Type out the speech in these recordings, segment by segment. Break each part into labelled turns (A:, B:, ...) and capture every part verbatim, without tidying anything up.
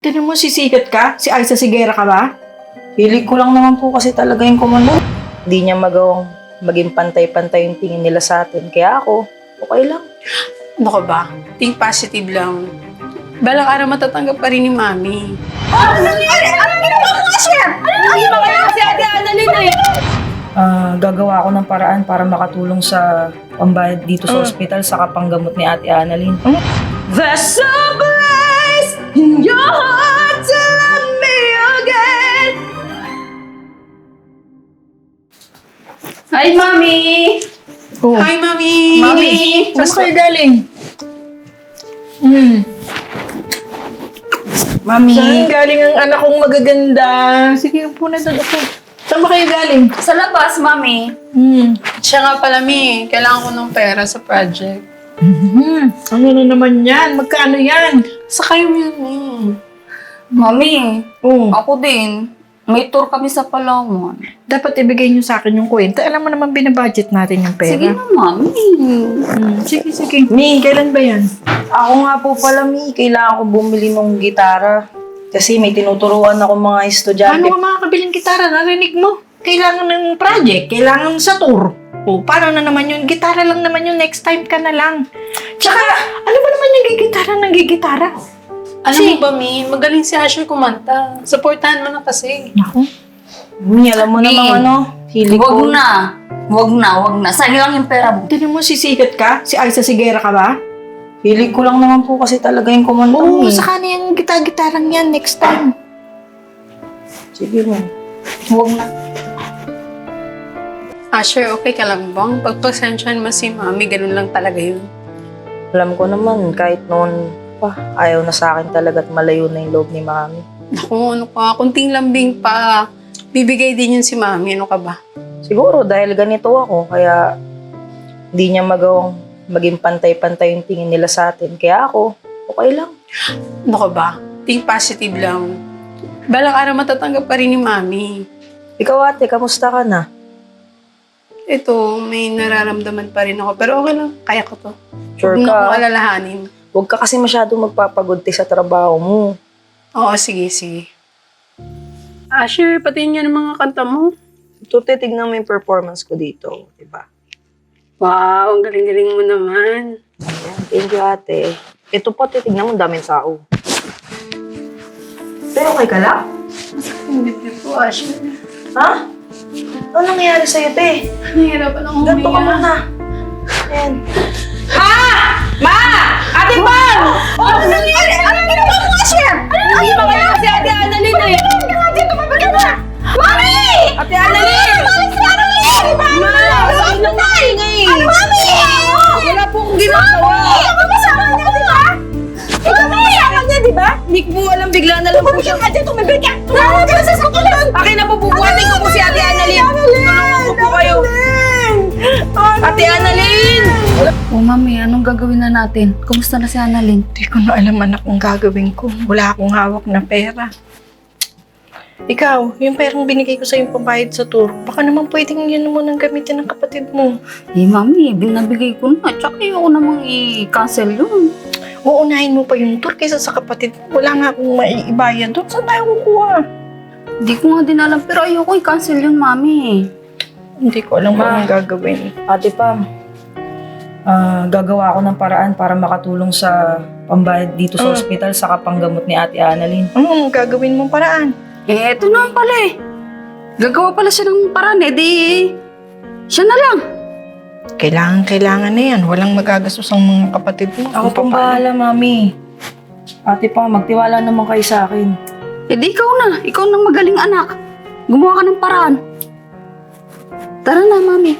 A: Tinan mo, sisikat ka? Si Aiza Sigera ka ba?
B: Hilig ko lang naman po kasi talaga yung komando. Hindi niya magawang maging pantay-pantay yung tingin nila sa atin. Kaya ako, okay lang.
C: Ano ka ba? Think positive lang. Balang araw matatanggap pa rin ni Mami.
A: Ano nangyari? Ano ginawa mo nga, Chef? Ano ginawa mo kasi Ate Annalyn eh?
B: Ah, gagawa ako ng paraan para makatulong sa pambayad dito sa
A: Mm.
B: ospital sa kapanggamot ni Ate Annalyn.
A: There's a place in your heart to love me again.
C: Hi, Mami!
A: Oh.
C: Hi, Mami!
A: Mami, saan kayo galing? Hmm.
B: Mami,
A: Saan galing ang anak kong magaganda? Sige, upo na doon. Upo. Saan ba kayo galing?
D: Sa labas, Mami.
A: Hmm.
C: Siya nga pala, Mi. Kailangan ko ng pera sa project.
A: Hmm. Ano na naman yan? Magkano yan?
C: Sa kayo yun, Mi.
D: Mami,
A: Oh.
D: ako din. May tour kami sa Palawan.
A: Dapat ibigay niyo sa akin yung kwenta. Alam mo naman, binabudget natin yung pera.
D: Sige na, Mami.
A: Hmm. Sige, sige. Mi, kailan ba yan?
B: ako nga po pala, Mi, kailangan ko bumili ng gitara. Kasi may tinuturuan ako mga estudyante.
A: Paano ka makakabiling gitara? Narinig mo? Kailangan ng project, kailangan sa tour. O, paano na naman yun? Gitara lang naman yun, next time ka na lang. Tsaka, ano ba naman yung gigitara ng gigitara?
C: Alam
A: Si-
C: mo ba, Mi? Magaling si Asher kumanta. Supportahan mo na kasi.
A: Naku.
B: Mi, alam mo
D: Mi,
B: namang ano, hilig
D: Wag
B: ko.
D: na. Wag na, wag na. Sayang lang yung pera mo.
A: Tinan mo, sisikat ka? Si Aiza Sigera ka ba?
B: Hilig ko lang naman po kasi talaga yung komando.
A: Oo,
B: Mi.
A: saka na yung gita-gitarang yan next time.
B: Sige, Mi.
D: Wag na.
C: Asher, okay ka lang bang? Pagpasensyahan mo si Mami, ganun lang talaga yun.
B: Alam ko naman, kahit noon pa, ayaw na sa akin talaga at malayo na yung loob ni Mami.
C: Naku, ano ka? Kunting lambing pa. Bibigay din yun si Mami. Ano ka ba?
B: Siguro dahil ganito ako, kaya hindi niya magawang maging pantay-pantay yung tingin nila sa atin. Kaya ako, okay lang.
C: Ano ka ba? Think positive lang. Balang araw matatanggap pa rin ni Mami.
B: Ikaw ate, kamusta ka na?
C: Ito, may nararamdaman pa rin ako. Pero okay lang, kaya ko to.
B: Sure
C: Huwag mo na akong
B: ka?
C: alalahanin.
B: Huwag ka kasi masyadong magpapagunti sa trabaho mo.
C: Oo, sige, sige. Asher, pati niya ng mga kanta mo.
B: Ito, titignan mo yung performance ko dito, diba?
C: Wow, ang galing-galing mo naman.
B: Ayan, thank you ate. Ito po, titignan mo, daming sao. Pero okay ka lang?
C: Hindi po, Asher.
B: Ha? Ano nangyayari sa'yo, te?
C: Nahihirapan akong
B: Ganto ka
C: huminga.
B: muna. Ayan.
A: Ma! Ate Pam! Oh, ano nangyari? Ano ginawa mo nga, Chef? Ano ginawa mo kasi Ate Annalyn eh? Ano ka nga dito? Mabagay mo! Mami! Ate Annalyn! Mami! Si Annalyn! Ma! Saan na maingay? Ano, Mami? Wala po akong ginagawa. Mami! Ako kasama niya, di ba? Ikaw ba kasama niya, di ba? Hindi ko po alam, bigla na lang po siya. Ate, tumibig ka! Tawag ka sa sakulan! Akin na po bubuhatin ko po si Ate Annalyn. Tulungan ko po kayo. Ate Annalyn!
D: Oh, Mami, anong gagawin na natin? Kumusta na si Annalyn?
A: Hindi ko na alam anak kung gagawin ko. Wala akong hawak na pera. Ikaw, yung perang binigay ko sa yung pambayad sa tour, baka naman pwedeng yun mo nang gamitin ng kapatid mo.
D: Eh, Mami, binabigay ko na. Tsaka ayoko namang i-cancel yun.
A: Uunahin mo pa yung tour kaysa sa kapatid mo. Wala nga akong maiibayad doon. Saan tayo kukuha?
D: Hindi ko nga din alam, pero ayoko i-cancel yun, Mami.
A: Hindi ko alam kung
B: Ma.
A: anong gagawin.
B: Ate Pam, ah, gagawa ako ng paraan para makatulong sa pambayad dito sa
A: Mm.
B: ospital sa kapanggamot ni Ate Annalyn.
A: Anong gagawin mong paraan?
D: Eh, eto naman pala eh. Gagawa pala siya ng paraan eh, di... Siya na lang.
A: Kailangan, kailangan na yan. Walang magagastos ang mga kapatid mo.
B: Ako
A: Kung
B: pong
A: paano.
B: bahala, Mami. Ate Pam, magtiwala naman kayo sa akin.
D: Eh di ikaw na. Ikaw nang magaling anak. Gumawa ka ng paraan. Tara na, Mami.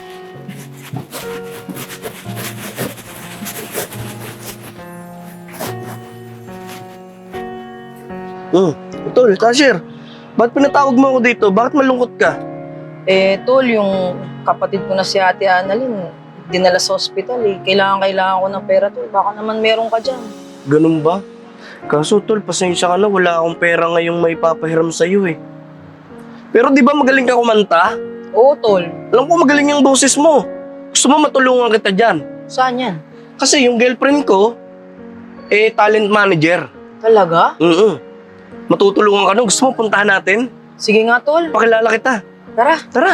E: Hmm. Tol, Tasher, ba't pinatawag mo ako dito? Bakit malungkot ka?
B: Eh, Tol, yung kapatid ko na si Ate Annalyn, dinala sa ospital eh. Kailangan, kailangan ko ng pera, Tol. Baka naman meron ka dyan.
E: Ganun ba? Kaso, Tol, pasensya ka na. Wala akong pera ngayong may papahiram sa'yo eh. Pero di ba magaling ka kumanta?
B: Oo, Tol.
E: Alam ko magaling yung boses mo. Gusto mo matulungan kita dyan.
B: Saan yan?
E: Kasi yung girlfriend ko, eh, talent manager.
B: Talaga?
E: Mm matutulungan ka nun. Gusto mo puntahan natin?
B: Sige nga, tol.
E: Pakilala kita.
B: Tara.
E: Tara.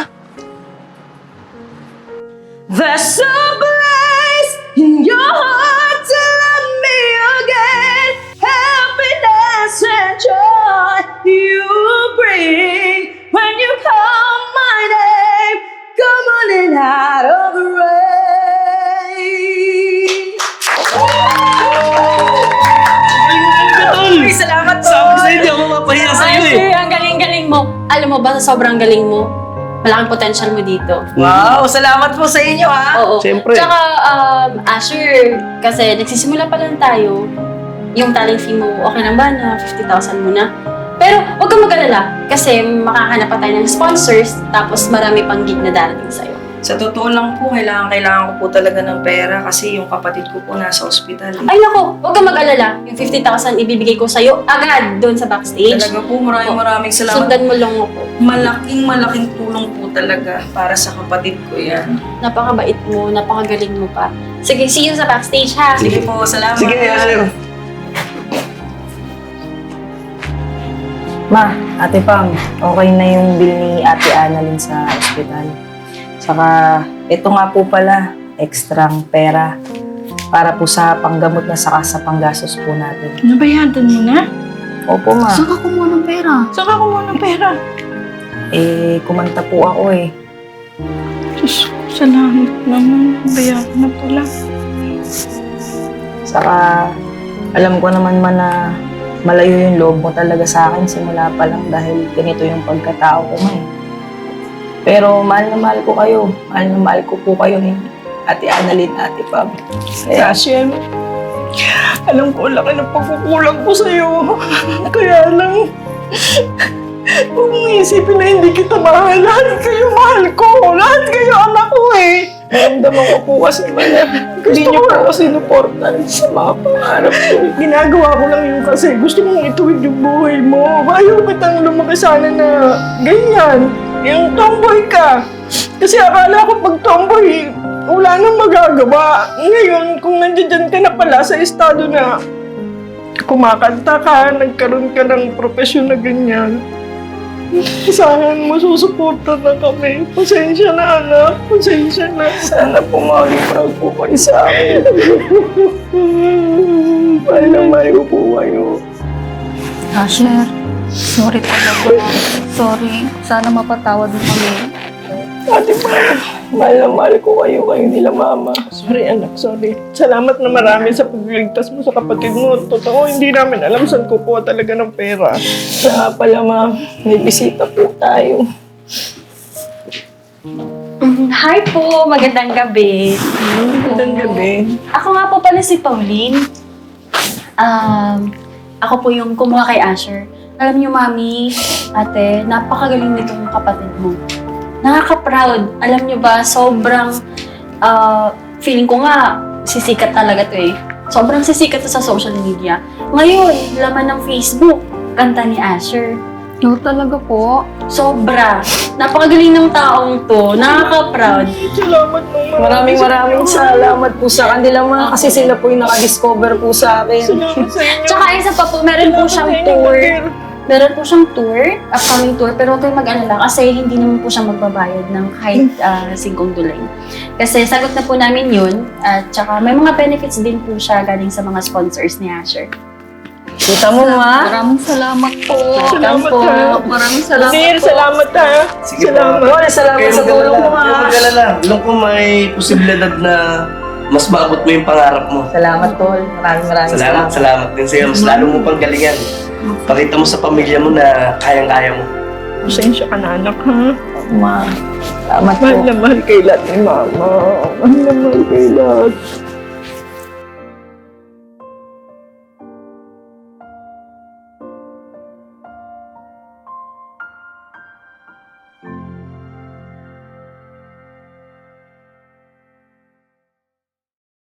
A: There's a place in your heart to love me again. Happiness and joy you bring when you call my name. Come on in out of the rain.
E: Ay,
A: salamat po.
E: Sabi sa'yo, hindi ako mapahiya sa'yo eh.
C: Asher, ang galing-galing mo. Alam mo ba, sa sobrang galing mo, malaking potential mo dito.
A: Wow, salamat po sa inyo ha.
C: Oo.
E: Siyempre.
C: Tsaka, um, Asher, kasi nagsisimula pa lang tayo, yung talent fee mo, okay lang ba na fifty thousand mo na? Pero huwag kang mag-alala kasi makahanap pa tayo ng sponsors tapos marami pang gig na darating sa'yo.
B: Sa totoo lang po, kailangan, kailangan ko po talaga ng pera kasi yung kapatid ko po nasa ospital.
C: Ay nako, huwag kang mag-alala. Yung fifty thousand ibibigay ko sa'yo agad doon sa backstage.
B: Talaga po, maraming maraming salamat.
C: Sundan mo lang ako.
B: Malaking malaking tulong po talaga para sa kapatid ko yan.
C: Napakabait mo, napakagaling mo pa. Sige, see you sa backstage ha.
B: Sige po, salamat.
E: Sige, Asher.
B: Ma, Ate Pam, okay na yung bill ni Ate Annalyn sa ospital. Saka, ito nga po pala, ekstrang pera para po sa panggamot na saka sa panggastos po natin.
A: Nabayadan mo na?
B: Opo, Ma.
D: Saan ka kumuha ng pera?
A: Saan ka kumuha ng pera?
B: Eh, kumanta po ako eh.
A: Diyos ko, salamat naman. Nabayadan na pala.
B: Saka, alam ko naman man na malayo yung loob mo talaga sa akin simula pa lang dahil ganito yung pagkatao ko, Ma eh. Pero mahal na mahal ko kayo. Mahal na mahal ko po kayo ni Ate Annalyn, Ate Pam. Kaya,
A: Hashem, alam ko laki ng pagkukulang ko sa'yo. Kaya lang, huwag mong isipin na hindi kita mahal. Lahat kayo mahal ko. Lahat kayo anak ko eh. Naramdaman ko po kasi man na hindi niyo po ako sinuportan sa mga pangarap ko. Ginagawa ko lang yun kasi gusto mong ituwid yung buhay mo. Ayaw kitang lumaki sana na ganyan. Yung tomboy ka. Kasi akala ko pag tomboy, wala nang magagawa. Ngayon, kung nandiyan ka na pala sa estado na kumakanta ka, nagkaroon ka ng profesyon na ganyan, sana mo susuporta na kami. Pasensya na, anak. Pasensya na. Sana po maging proud po kayo sa akin. Mahal na mahal ko po kayo.
D: Asher, sorry talaga. Sorry. Sana mapatawad mo kami.
A: Ate Ma, mahal na mahal ko kayo, kayo nila mama. Sorry anak, sorry. Salamat na marami sa pagliligtas mo sa kapatid mo. Totoo, hindi namin alam saan kukuha talaga ng pera. Kaya pala ma, may bisita po tayo.
C: Mm, Hi po, magandang gabi.
A: Magandang gabi.
C: Ako nga po pala si Pauline. Um, ako po yung kumuha kay Asher. Alam niyo, Mami, Ate, napakagaling nitong kapatid mo. Nakaka-proud. Alam niyo ba, sobrang ah, feeling ko nga, sisikat talaga to eh. Sobrang sisikat to sa social media. Ngayon, laman ng Facebook, kanta ni Asher.
D: No, talaga po.
C: Sobra. Napakagaling ng taong to. Nakaka-proud.
A: Salamat mo ma.
B: maraming maraming salamat po sa kanila, Ma, kasi sila po yung nakadiscover po sa akin.
A: Salamat sa inyo.
C: Tsaka isa pa po, meron po siyang tour. Meron po siyang tour, upcoming tour, pero huwag kayong mag-alala kasi hindi naman po siya magbabayad ng kahit uh, singkong dulay. Kasi sagot na po namin yun, at tsaka may mga benefits din po siya galing sa mga sponsors ni Asher.
B: Kita mo, Ma?
D: Maraming salamat po.
A: Salamat
C: po.
A: ha.
D: Maraming salamat
A: Sir,
D: po.
A: salamat ha.
E: Sige
A: Salamat.
E: po.
B: Wala, salamat sa tulong mo, Ma.
E: Huwag mag-alala. Alam ko may posibilidad na mas maabot mo yung pangarap mo.
B: Salamat, Tol. Maraming maraming
E: Salamat,
B: salamat.
E: salamat din sa'yo. Mas lalo mo pang galingan. Pakita mo sa pamilya mo na kayang-kaya mo.
A: Pasensya ka na anak ha.
B: Ma, salamat po.
A: Mahal na mahal kay lahat ni mama. Mahal na mahal kay lahat.